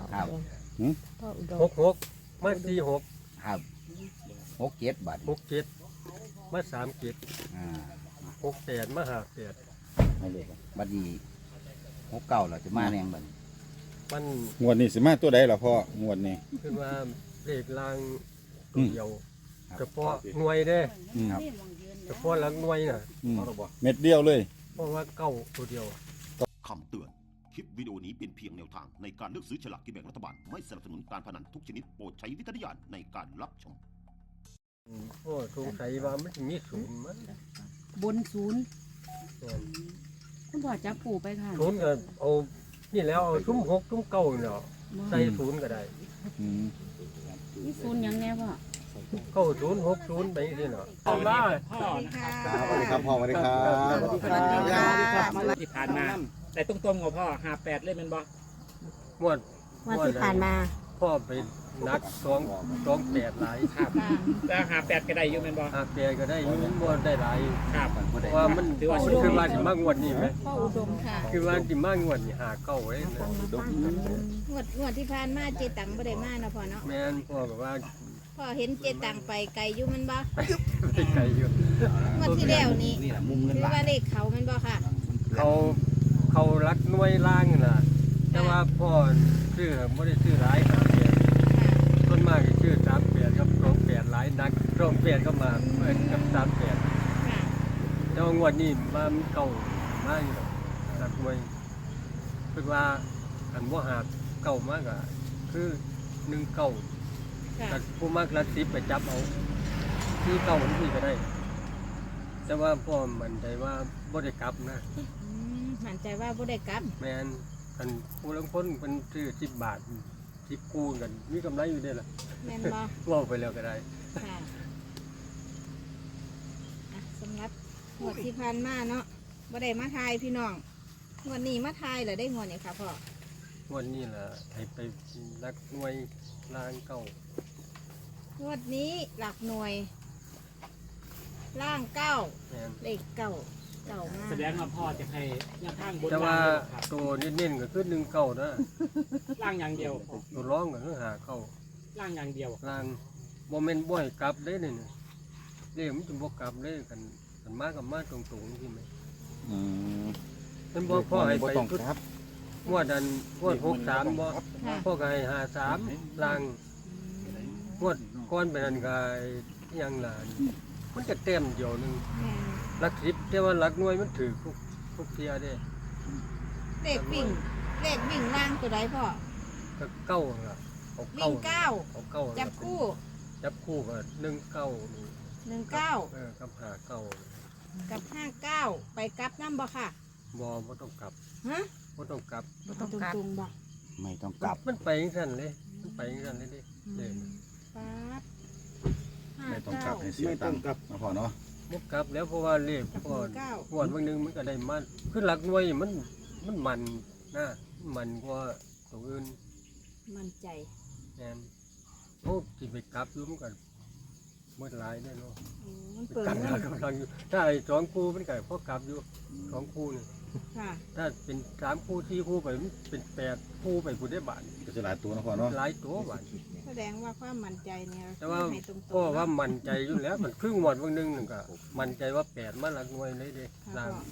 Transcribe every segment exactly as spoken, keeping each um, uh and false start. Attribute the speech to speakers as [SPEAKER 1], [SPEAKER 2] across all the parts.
[SPEAKER 1] ครับ
[SPEAKER 2] พ่ออุดม
[SPEAKER 3] หกหกมาสี่หก
[SPEAKER 1] ครับหกเจ็ดบาท
[SPEAKER 3] หกเจ็ดมาสามเจ็ด
[SPEAKER 1] อ่า
[SPEAKER 3] หกแปดมาห้าแปด
[SPEAKER 1] ไม่เลยบัดนี้หกเก้าเราจะมาแรงบัด
[SPEAKER 3] มัน
[SPEAKER 4] งวดนี้สิมาตัวใดล่ะพ่องวดนี้
[SPEAKER 3] คือว่าเลขลางตัวเดียว
[SPEAKER 1] ครับ
[SPEAKER 3] เฉพาะหน่วยเด้
[SPEAKER 4] อืม
[SPEAKER 1] ครับ
[SPEAKER 3] เฉพาะหลังหน่วยน่ะ
[SPEAKER 4] อืมเม็ดเดียวเลย
[SPEAKER 3] เพราะว่าเก้าตัวเดียว
[SPEAKER 5] คำเตือน คลิปวิดีโอนี้เป็นเพียงแนวทางในการเลือกซื้อฉลากกินแบ่งรัฐบาล ไม่สนับสนุนการพนันทุกชนิดโปรดใช้วิจารณญาณในการรับชม
[SPEAKER 3] โอ้สงสัยว่ามันจะมีศูนย์มั้ง
[SPEAKER 2] บนศูนย์
[SPEAKER 3] แม่น
[SPEAKER 2] คุณพ่อจับปู่ไปค่ะ
[SPEAKER 3] ศูนย์ก็เอานี่แล้วเอาทุ่มหกทุ่มเก้าเนาะใส่ศูนย์ก็ได้
[SPEAKER 4] อืม
[SPEAKER 2] นี่ศูนย์หยังแน่พ่อ
[SPEAKER 3] เก้าศูนย์หกศูนย์ไปที่เนาะเอามา
[SPEAKER 6] พ่อนะ
[SPEAKER 4] สวัสดีครับพ่อสวัสดีครับ
[SPEAKER 6] สวัสดีครับที่ผ่านมา แต่ตรงๆของพ่อหาแปดเล่นเป็นบ่
[SPEAKER 3] งวด
[SPEAKER 2] วันที่ผ่านมา
[SPEAKER 3] พ่อไปนักสองสองแปดหลาย
[SPEAKER 6] ครับแล้วหาแปดก็ได้อยู่เป็นบ่
[SPEAKER 3] หาแปดก็ได้อยุ่งบ่ได้หลาย
[SPEAKER 6] ครับ
[SPEAKER 3] เพราะว่ามันมันคือว่าสิมากงวดนี้ไหม
[SPEAKER 2] พ่ออุดมค่ะ
[SPEAKER 3] คือว่าสิมากงวดนี่หาเก้าไว้นะ
[SPEAKER 7] งวดงวดที่ผ่านมาเจตังบ่ได้มาเนาะพ่อเนาะ
[SPEAKER 3] แม่นพ่อก็ว่า
[SPEAKER 7] พ่อเห็นเจตังไปไกลอยู่มันบ่
[SPEAKER 3] ไปไกลอยู่
[SPEAKER 7] งวดที่แล้วนี่
[SPEAKER 1] นี่แหละมุมเงิน
[SPEAKER 7] คือ
[SPEAKER 1] ล้า
[SPEAKER 7] ว่าน เลขเขามันบ่ค่ะ
[SPEAKER 3] เขาเขารักหน่วยล่างน่ะแต่ว่าพ่อซื้อไม่ได้ซื้อหลายหาแปดต้นมากชื่อสามแปดครับสองแปดหลายนักสองแปดก็มาเหมือนกับสามแปด
[SPEAKER 7] ค่ะ
[SPEAKER 3] แต่ว่างวดนี้มาเก่ามากอยู่หรอกรักหน่วยคือว่าอันว่าหาเก่ามากอ่ะคือหนึ่งเก่า
[SPEAKER 7] ค่ะ
[SPEAKER 3] แต่ผู้มากรักสิบไปจับเอาที่เก่ามันที่ก็ได้ แต่ว่าพ่อมันใจว่าบ่ได้กลับนะ
[SPEAKER 7] อืมมั่นใจว่าบ่ได้กลับ
[SPEAKER 3] แมนอันผู้ลังพ้นเป็นซื้อสิบบาทสิบคูณกันมีกำไรอยู่ได้ล่ะ
[SPEAKER 7] แม่นบ่
[SPEAKER 3] ว่าไปแล้วก็ได้
[SPEAKER 7] ค่ะอ่ะสำหรับงวดที่ผ่านมาเนาะบ่ได้มาทายพี่น้องงวดนี้มาทายเหรอได้งวดนี้ค่ะพ่อ
[SPEAKER 3] วันนี้ล่ะให้ไปรักหน่วยลางเก่าง
[SPEAKER 7] วดนี้หลักหน่วย ล่างเก้า
[SPEAKER 3] แมน
[SPEAKER 7] เลขเก้าเก้ามา
[SPEAKER 6] แสดงว่าพ่อจะให้ยังข้างบน
[SPEAKER 3] แต่ว่า
[SPEAKER 6] ล่างครับ
[SPEAKER 3] ตัวเน้นๆก็คือหนึ่งเก่านะ
[SPEAKER 6] ล่างอย่างเดียว
[SPEAKER 3] ตัวร้องก็คือหาเก่า
[SPEAKER 6] ล่างอย่างเดียว
[SPEAKER 3] ลางโมเมนต์บ่อยกลับได้เนี่ยเรื่องมันจะบ่กลับได้กันกันมากกับมาตรงๆที่ไหม
[SPEAKER 4] อืม
[SPEAKER 3] มันบ่พ่อให้ไป
[SPEAKER 4] บ่ต้อง
[SPEAKER 3] ชุด
[SPEAKER 4] ครับ
[SPEAKER 3] งวดอันงวดหกสามบ่
[SPEAKER 7] ค่ะ
[SPEAKER 3] พ่อก็ให้หาสามลาง งวดก้อนไปนั่นก็อิหยังล่ะมันจะเต็มเดียวหนึง
[SPEAKER 7] แม่น
[SPEAKER 3] หลักสิบแต่ว่าหลักหน่วยมันถือทุกทุกเทียเด้
[SPEAKER 7] เลขวิ่งเลขวิ่งล่างตัวใดพ่อ
[SPEAKER 3] ก็เก้าล่ะเอา
[SPEAKER 7] วิ่
[SPEAKER 3] เก้าง
[SPEAKER 7] เก้า
[SPEAKER 3] เอาเก้า
[SPEAKER 7] จับคู่
[SPEAKER 3] จับคู่ก็หนึ่งเก้านี่
[SPEAKER 7] หนึ่งเก้า
[SPEAKER 3] เออกับหาเก้า
[SPEAKER 7] กับห้าเก้าไปกลับน้ำบ่ค่ะ
[SPEAKER 3] บ่บ่ต้องกลับ
[SPEAKER 7] ฮะ
[SPEAKER 3] บ่ต้องกลับ
[SPEAKER 2] บ่ต้องกลับ
[SPEAKER 7] ตรงๆบ่
[SPEAKER 1] ไม่ต้องกลับ
[SPEAKER 3] มันไปจังซั่นเลยมันไปจังซั่นเลยเดิเด้อ
[SPEAKER 7] ปั๊บห้า
[SPEAKER 4] ไม่ต้องก
[SPEAKER 7] เก้า
[SPEAKER 4] ลับให้เสียตังค์นะพ่อเนาะ
[SPEAKER 3] บ่กลับแล้วเพราะว่าเลข
[SPEAKER 7] กับ
[SPEAKER 3] ก่อน
[SPEAKER 7] หนึ่งเก้า
[SPEAKER 3] ก่อนบางนึงมันก็ได้มันคือหลักหน่วยมันมันมันนะมันกว่าตัวอื่น
[SPEAKER 7] มั่นใจ
[SPEAKER 3] แม่นโอ้ที่ไปกลับอยู่มันก็หมดหลายได้อเนาะ
[SPEAKER 7] อืมมัน
[SPEAKER 3] ไป
[SPEAKER 7] เปิด
[SPEAKER 3] กลับ
[SPEAKER 7] เงิ
[SPEAKER 3] หาน กำลังอยู่ถ้าไอ้สองคู่มันก็พอกลับอยู่สองคู่นี่
[SPEAKER 7] ค่ะ
[SPEAKER 3] ถ้าเป็นสามคู่สี่คู่ไปมันเป็นแปดคู่ไปผู้ได้บาท
[SPEAKER 4] ก็จะหลายตัวนะพ่อเนาะ
[SPEAKER 3] หลายตัวบาท
[SPEAKER 7] แสดงว่าความมั่นใจเนี่ย
[SPEAKER 3] แต่ว่า
[SPEAKER 7] ให้ตรงๆ
[SPEAKER 3] พ่อว่ามั่นใจอยู่แล้วมันครึ่งหมดบางนึงนึงก็มั่นใจว่าแปดมาหลักหน่วยเลยเด้
[SPEAKER 7] ค่ะ
[SPEAKER 3] ล่าง
[SPEAKER 7] พ่อ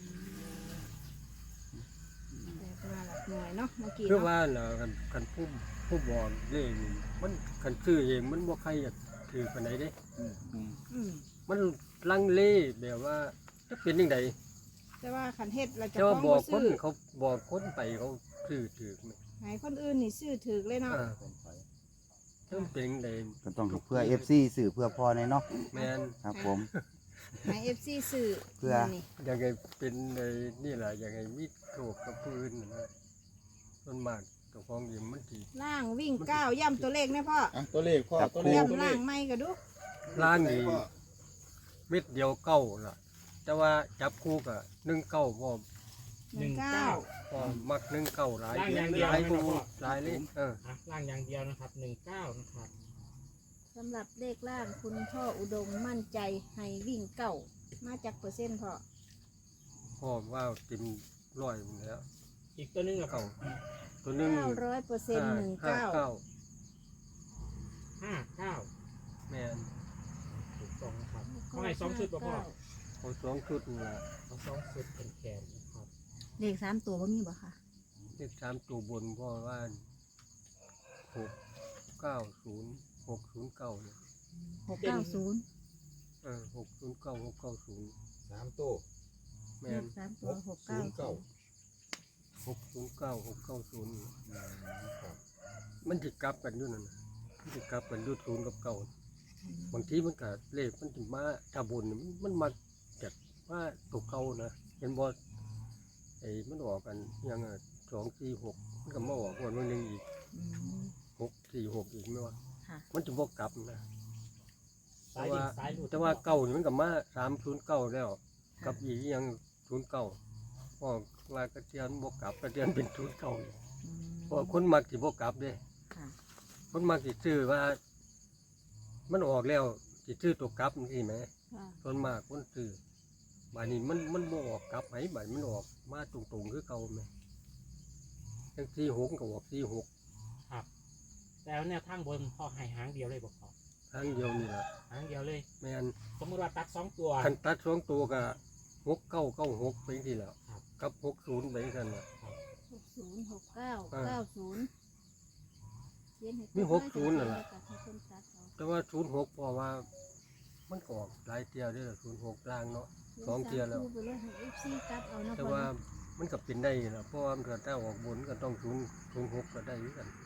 [SPEAKER 7] อืมแต่มาหลักหน่วยเนาะเมื่อกี้
[SPEAKER 3] คือ
[SPEAKER 7] เนาะ
[SPEAKER 3] ว่าน่ะคันคันผู้ผู้บอกเลขนี่มันคันซื้อเองมันบ่ใครอยากถือปานใดเด้
[SPEAKER 7] อืม
[SPEAKER 3] มันลังเลแบบว่าจะเป็นยังไง
[SPEAKER 7] แต่ว่าขันเฮ็ดเราจะ
[SPEAKER 3] แต่ว่า
[SPEAKER 7] ฟ้อง
[SPEAKER 3] บอก
[SPEAKER 7] บ่
[SPEAKER 3] คน
[SPEAKER 7] ซื้อ
[SPEAKER 3] เขาบอกคนไปเขาซื้อถือไหม
[SPEAKER 7] ให้คนอื่นนี่ซื้อถือเลยเนาะ
[SPEAKER 3] อ่าจะเป็นยังไง
[SPEAKER 1] ก็ต้องเพื่อ เอฟ ซี สื่อเพื่อพ่อในเนาะ
[SPEAKER 3] แมน
[SPEAKER 1] ครับผม
[SPEAKER 7] ให้ เอฟ ซี ซื้อ
[SPEAKER 1] เพื่อ
[SPEAKER 7] นี่
[SPEAKER 3] ยังไงเป็นในนี่แหละยังไงมีโชคกับพื้นนะต้นมากตัวของยิมมันที
[SPEAKER 7] ล่างวิ่งเก้าย่ำตัวเลขนะพ่อ
[SPEAKER 4] อ่ะตัวเลขพ่อตัวเลขตัว
[SPEAKER 7] ย่ำ
[SPEAKER 4] เล
[SPEAKER 7] ล่า
[SPEAKER 4] ข
[SPEAKER 7] งไม่ก็ดู
[SPEAKER 3] ล่างนี่เม็ดเดียวเก้าล่ะ แต่ว่าจับคู่กับหนึ่งเก้าพอ
[SPEAKER 7] หนึ่งเก้า
[SPEAKER 3] พอมักหนึ่งเก้าหลาย
[SPEAKER 6] ล่างอย่างเดียว
[SPEAKER 3] หลาย
[SPEAKER 6] นะ
[SPEAKER 3] คู่
[SPEAKER 6] พ่อ
[SPEAKER 3] หลายเลยเออ
[SPEAKER 6] อ่ะล่างอย่างเดียวนะครับหนึ่งเก้านะครับ
[SPEAKER 7] สำหรับเลขล่างคุณพ่ออุดมมั่นใจให้วิ่งเก้ามาจากเปอร์เซ็นต์พ่อ
[SPEAKER 3] พ่อว่าเต็มร้อยหมดแล้ว
[SPEAKER 6] อีกตัวหนึงละพ่อ
[SPEAKER 3] ตัวหนึง
[SPEAKER 7] เก้าร้อยเปอร์เซ็นต์หนึ่ง
[SPEAKER 3] ห้า
[SPEAKER 7] เก้า
[SPEAKER 3] เก้า
[SPEAKER 6] ห้าเก้า
[SPEAKER 3] แม่น
[SPEAKER 6] ถูกต้องนะครับเขาให้สองชุดบ่พ่อ
[SPEAKER 3] เอาสองชุดนี่ล่ะ
[SPEAKER 6] เอาสองชุดเป็นแขนนะครับ
[SPEAKER 2] เลขสามตัวบ่มีบ่ค่ะ
[SPEAKER 3] เลขสามตัวบนพ่อว่าหกเก้าศูนย์หกศูนย์เก้าเนี่ย
[SPEAKER 2] หกเก้าศูนย์
[SPEAKER 3] เออหกศูนย์เก้าหกเก้าศูนย์
[SPEAKER 4] สามตัว
[SPEAKER 3] แม่
[SPEAKER 2] เล
[SPEAKER 3] น
[SPEAKER 2] ขสามตัวหกเก้าศูนย์
[SPEAKER 3] หกศูนย์เก้าหกเก้าศูนย์มันจะกลับกันอยู่นั่นน่ะมันจะกลับกันอยู่ศูนย์กับเก้าบางทีมันก็เลขมันถึงมาถ้าบนนี่มันมันมาจากว่าตัวเก่านะเห็นบอไอ้มันออกกันอยังสองสี่หกมันก็มาออกวันวันหนึ่งอีก
[SPEAKER 2] อืม
[SPEAKER 3] หกสี่หกอีกไม่ว่า
[SPEAKER 2] ค่ะ
[SPEAKER 3] มันจะบอกกลับนะ
[SPEAKER 6] สายดินสายหลุด
[SPEAKER 3] แต่ว่าเก้านี่มันก็มาสามศูนย์เก้าแล้วกับอีกอยังศูนย์เก้าพอลากระเทียนบวกกลับกระเทียนเป็นศูนย์เก้า
[SPEAKER 2] อืม
[SPEAKER 3] เพราะคนมักสิบวกกลับเด้
[SPEAKER 2] ค่ะ
[SPEAKER 3] คนมักสิซื้อว่า มันออกแล้วสิซื้อตัวกลับนี่ไหม
[SPEAKER 2] ค่ะ
[SPEAKER 3] ส่วนมากคนซื้อบานนี้มันมันบ่ออกกลับไหมบานมันออกมาตรงๆคือเก่าไหมทั้งสี่หกก็ออกสี่หก
[SPEAKER 6] ครับแล้วแนวทางบนพ่อให้หางเดียวเลยบอกพ่อ
[SPEAKER 3] ทั้งเดียวนี่แหละ
[SPEAKER 6] หางเดียวเลย
[SPEAKER 3] แม่น
[SPEAKER 6] สมมติว่าตัดสองตัว
[SPEAKER 3] คันตัดสองตัวก็หกเก้าเก้าหกไปทีแล้ว
[SPEAKER 6] ครับ
[SPEAKER 3] กับหกศูนย์ไปกันน่ะ
[SPEAKER 2] หกศูนย์หกเก้า
[SPEAKER 3] อ่า
[SPEAKER 2] เก้าศูนย์เขียนให้
[SPEAKER 3] มีหกศูนย์นั่นล่ะ
[SPEAKER 2] ให้เพิ่นตัดเอา
[SPEAKER 3] แต่ว่าศูนย์หกเพราะว่า มันก็ออกหลายเที่ยวเด้วยศูนย์หกล่างเนาะ สองเที่ยแล้ว
[SPEAKER 2] สามคู่ไปเลยให้ เอฟ ซี ตัดเอานะ
[SPEAKER 3] แต่
[SPEAKER 2] พ่อ
[SPEAKER 3] ว่า
[SPEAKER 2] นะ
[SPEAKER 3] มันก็เป็นได้นะเพราะว่ามันเกิดถ้าออกบนก็ต้องศูนย์ศูนย์หกก็ได้เหมือนกัน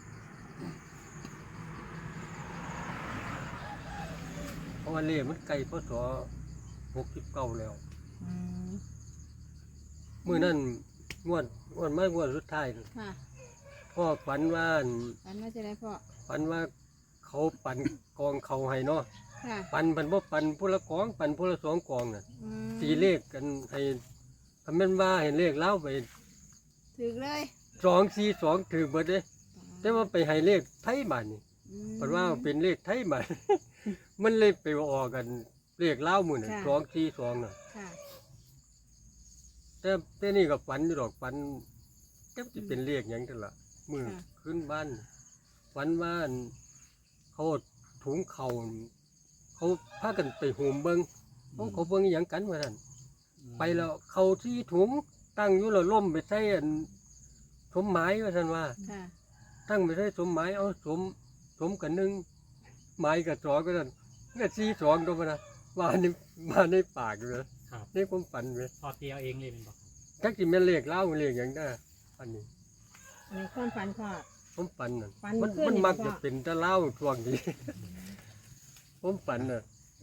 [SPEAKER 3] เพราะว่าเล่มันไกลพศหกสิบเก้าแล้ว
[SPEAKER 2] อืม
[SPEAKER 3] เมื่อนั้นงวดงวดไม่งวดสุดท้ายน่ะ
[SPEAKER 2] ค่ะ
[SPEAKER 3] พ่อฝันว่า
[SPEAKER 7] อันว่าจะได้พ่อ
[SPEAKER 3] ฝันว่าเขาปั่นกองเขาให้เนาะ
[SPEAKER 7] ค่ะ
[SPEAKER 3] ปั่นปั่นบ่ปั่นผู้ละกองปั่นผู้ละสองกองน่ะ
[SPEAKER 7] อืม
[SPEAKER 3] ตีเลขกันให้ทำเป็นว่าเห็นเลขเล่าไป
[SPEAKER 7] ถึกเลย
[SPEAKER 3] สองสี่สองถือเบิดเลยแต่ว่าไปให้เลขไทยบ้านนี่
[SPEAKER 7] อืม
[SPEAKER 3] เพราะว่าเป็นเลขไทยบ้าน มันเลยไปออกกันเลขเล่าหมู่น่ะ
[SPEAKER 7] ค่ะ
[SPEAKER 3] สองสี่สองน่ะ
[SPEAKER 7] ค่ะ
[SPEAKER 3] แต่แต่นี่ก็ฝันอยู่ดอกฝันจะจะเป็นเลขหยังกันล่ะมือ
[SPEAKER 7] ค่ะ
[SPEAKER 3] ขึ้นบ้านฝันว่าอั่นเขาถุงเขาเขาพากันไปโหมเบิงเขาเขาเบิงอหย่างกันว่าท่านไปแล้วเขาที่ถุงตั้งอยู่แล้วล่มไปใส่อันสมหมายว่าท่านว่า
[SPEAKER 7] ค่ะ
[SPEAKER 3] ตั้งไปใส่สมหมายเอาสมสมกันหนึ่งหมายกับสองก็ท่านก็สี่สองก็มานะว่าในมาในปากเลย
[SPEAKER 6] ครับ
[SPEAKER 3] ในความฝันเลย
[SPEAKER 6] พอเตียวเองเลยเป็นบอก
[SPEAKER 3] จักจิแม่นเลขเล่าเลขอย่างได้อันนี้
[SPEAKER 7] อันนี้ความฝันพ่อ
[SPEAKER 3] ผมฝันน่ะ
[SPEAKER 7] ฝัน
[SPEAKER 3] มัน
[SPEAKER 7] เมื่อคืน
[SPEAKER 3] มัน
[SPEAKER 7] นี่
[SPEAKER 3] มัก
[SPEAKER 7] พ่อ
[SPEAKER 3] จะเป็นแตะเล่าช่วงนี้ ผมฝันน่ะ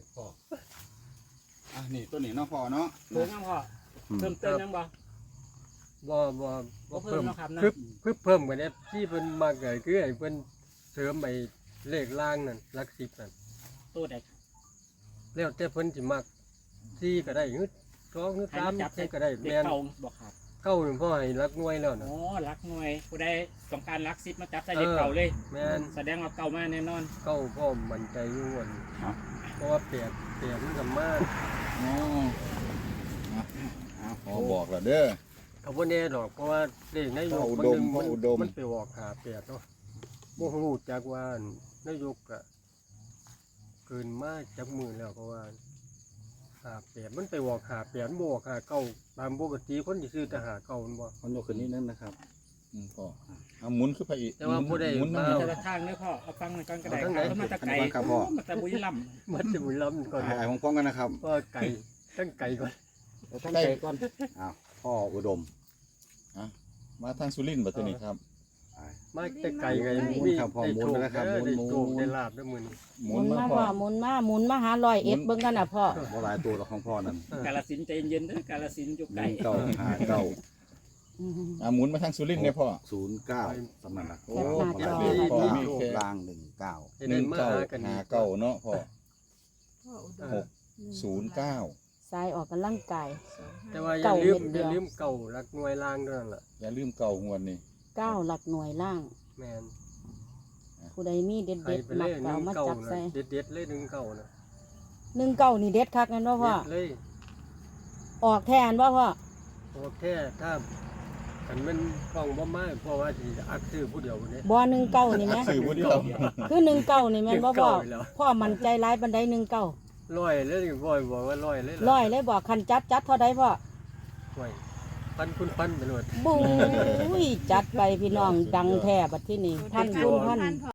[SPEAKER 4] อ่ะนี่ตัวนี้เนาะพ่อเนาะ
[SPEAKER 6] เพิ่มยังพ่อเพิ่มเติมยังบ่
[SPEAKER 3] บ่บ่
[SPEAKER 6] บ่เพิ่มเนาะครับนะ
[SPEAKER 3] เพิ่มเพิ่มเพิ่มกันเนี่ยที่เพิ่นมากเลยคือไอ้เพิ่นเสริมไอ้เลขล่างนั่นหลักสิบนั่น
[SPEAKER 6] ตัวใดครับ
[SPEAKER 3] แล้วแต่เพิ่นสิมักสี่ก็ได้หรือสองหรือ
[SPEAKER 6] ให้
[SPEAKER 3] สาม
[SPEAKER 6] มาจับ
[SPEAKER 3] ใช่ก็ได้
[SPEAKER 6] เด็ก
[SPEAKER 3] แม่น
[SPEAKER 6] เก่าบอกครับ
[SPEAKER 3] เข้าหนึ่งพ่อให้รักหน่วยแล้วนะ
[SPEAKER 6] โอ้รักหน่วยผู้ใดต้องการรักซิปมาจับใส่เด็กเก่าเลย
[SPEAKER 3] แม่น
[SPEAKER 6] แสดงว่าเก่ามาแน่นอน
[SPEAKER 3] เข้าพ่อมั่นใจอยู่วันเพราะว่าเปลี่ยนเปลี่ยนมันก็มา
[SPEAKER 4] อ๋ออ่ะอ่ะพอบอกแล้วเด้อ
[SPEAKER 3] เขาบ่แน่ดอกเพราะว่าเลขนายก
[SPEAKER 4] พ่ออุ
[SPEAKER 3] มัน
[SPEAKER 4] ด
[SPEAKER 3] ห
[SPEAKER 4] ม
[SPEAKER 3] นึง
[SPEAKER 4] พ่อ
[SPEAKER 3] มัน
[SPEAKER 4] อุดม
[SPEAKER 3] มันไปออกหาเปลี่ยนเนาะบ่ฮู้จักว่านายกอะเกินมาจักมือแล้วเพราะว่าหาเปลี่ยนมันไปออกหาเปลี่ยนบ่ออกหาเก่าตามปกติคนที่ซื้อแต่หาเก่ามันบ่
[SPEAKER 4] มันยกขึ้นนิดนึงนะครับอืมพ่อเอาหมุนขึ้นไปอีก
[SPEAKER 3] แต่ว่าผู้ใด
[SPEAKER 4] หมุน
[SPEAKER 3] มา
[SPEAKER 4] นั่น
[SPEAKER 6] แต่
[SPEAKER 4] นี่
[SPEAKER 6] ละทางเนี่ยพ่อเอาฟังหน่อยก่อนก็ได้
[SPEAKER 3] เอาทางไหน
[SPEAKER 6] ครับมันตะไก่
[SPEAKER 4] อันนี้ครับพ่อ
[SPEAKER 6] มันตะบุรีรัมย์
[SPEAKER 3] มันจะบุญล้ำก่อน
[SPEAKER 4] ถ่ายของพร้อมกันนะครับ
[SPEAKER 3] เพราะว่าไก่ตั้งไก่ก่อน
[SPEAKER 4] ตั้งใจก่อนอ้าวพ่ออุดมอ่ะมาทางสุรินทร์บัดตัวนี้ครับ
[SPEAKER 3] มาแต่ไก่ไง
[SPEAKER 7] หมุน
[SPEAKER 3] มี
[SPEAKER 4] ครับพ่อ
[SPEAKER 3] ได้
[SPEAKER 4] หมุน
[SPEAKER 3] โชค
[SPEAKER 4] นะครับ
[SPEAKER 3] เด้อได้
[SPEAKER 4] หมุน
[SPEAKER 3] โชค
[SPEAKER 4] หมุน
[SPEAKER 3] ได้ลาบได้มื้อนี้
[SPEAKER 4] ห
[SPEAKER 2] ห
[SPEAKER 4] มุ
[SPEAKER 2] มุ
[SPEAKER 4] น
[SPEAKER 2] น
[SPEAKER 4] มา
[SPEAKER 2] มา
[SPEAKER 4] พ่
[SPEAKER 2] พ่
[SPEAKER 4] อ
[SPEAKER 2] อหมุนมาหมุนมาหาร้อยเอ็ดเบิ่งกันน่ะพ่อ
[SPEAKER 4] บ่หลายตัวหรอกของพ่อนั่น
[SPEAKER 6] กาลสินธุ์ใจเย็นๆเด้อกาลสินธุ์อยู่
[SPEAKER 4] ห
[SPEAKER 6] ไกล
[SPEAKER 4] นึ่งเก้าห้าเก้า
[SPEAKER 2] อืม
[SPEAKER 4] อ่ะหมุนมาทางสุรินทร์เนี่ยพ่อ
[SPEAKER 1] ศูนย์เก้าสำนักหลัก
[SPEAKER 4] โอ้
[SPEAKER 2] แคปหน้าจอ
[SPEAKER 4] มีพ่อมีแค่
[SPEAKER 1] ล่างหนึ่งเก้า
[SPEAKER 3] ให้
[SPEAKER 4] ห
[SPEAKER 3] ได้
[SPEAKER 4] นึ่ง
[SPEAKER 3] มา
[SPEAKER 4] เก้า
[SPEAKER 3] หากัน
[SPEAKER 4] ห้าเก้าเนาะพ่อ
[SPEAKER 7] พ่ออุด
[SPEAKER 3] เอ
[SPEAKER 7] ม
[SPEAKER 3] อ
[SPEAKER 4] หกศูนย์เก้า
[SPEAKER 2] สายออกกำลังกาย
[SPEAKER 7] สองห้า
[SPEAKER 3] แต่ว่าอย่า
[SPEAKER 2] เก่า
[SPEAKER 3] ลืม
[SPEAKER 2] เม็ดเดี
[SPEAKER 3] อย่า
[SPEAKER 2] ยว
[SPEAKER 3] ลืมเก่าหลักหน่วยล่างด้วยนั่นล่ะ
[SPEAKER 4] อย่าลืมเก่าหวนนี่
[SPEAKER 2] เก้าหลักหน่วยล่าง
[SPEAKER 3] แม่น
[SPEAKER 2] ผู้ใดมีเด็ด
[SPEAKER 3] ใคร
[SPEAKER 2] เด็ด
[SPEAKER 3] ไป
[SPEAKER 2] ๆมั
[SPEAKER 3] เล
[SPEAKER 2] ก
[SPEAKER 3] ยห
[SPEAKER 2] เก่า
[SPEAKER 3] นึ่ง
[SPEAKER 2] มา
[SPEAKER 3] เก่า
[SPEAKER 2] จับ
[SPEAKER 3] นะ
[SPEAKER 2] ใส่
[SPEAKER 3] เด็ดเด็ดๆเลยหนึ่งเก่านะ
[SPEAKER 2] หนึ่งเก้านี่เด็ดคักนั่นว่าพ่อ
[SPEAKER 3] เด็ดเลย
[SPEAKER 2] ออกแทนว่าพ่อ
[SPEAKER 3] โอเคถ้าอันมันฟ้องบ่มาเพราะว่าสิอักซื้อผู้เดียวคนนี้
[SPEAKER 2] บ่หนึ่งเก้านี่แหม
[SPEAKER 4] สื่อผู้เดียว
[SPEAKER 2] คือหนึ่งเก้านี่แม่นบ่พ่อ
[SPEAKER 3] หนึ่งเก้าอีกแล้ว
[SPEAKER 2] พ่อมั่นใจร้ายบันไดหนึ่งเก้า
[SPEAKER 3] ร้อยเลยบ่อยบอกว่าร้อยเลย
[SPEAKER 2] ร้อยเลยบอกคันจัดจัดเท่าใดพ่อ
[SPEAKER 3] ร้อยพันคุณพันไปเลย
[SPEAKER 2] บุ้ยจัดไปพี่น้องดังแท้บัดที่นี่พันคุณพัน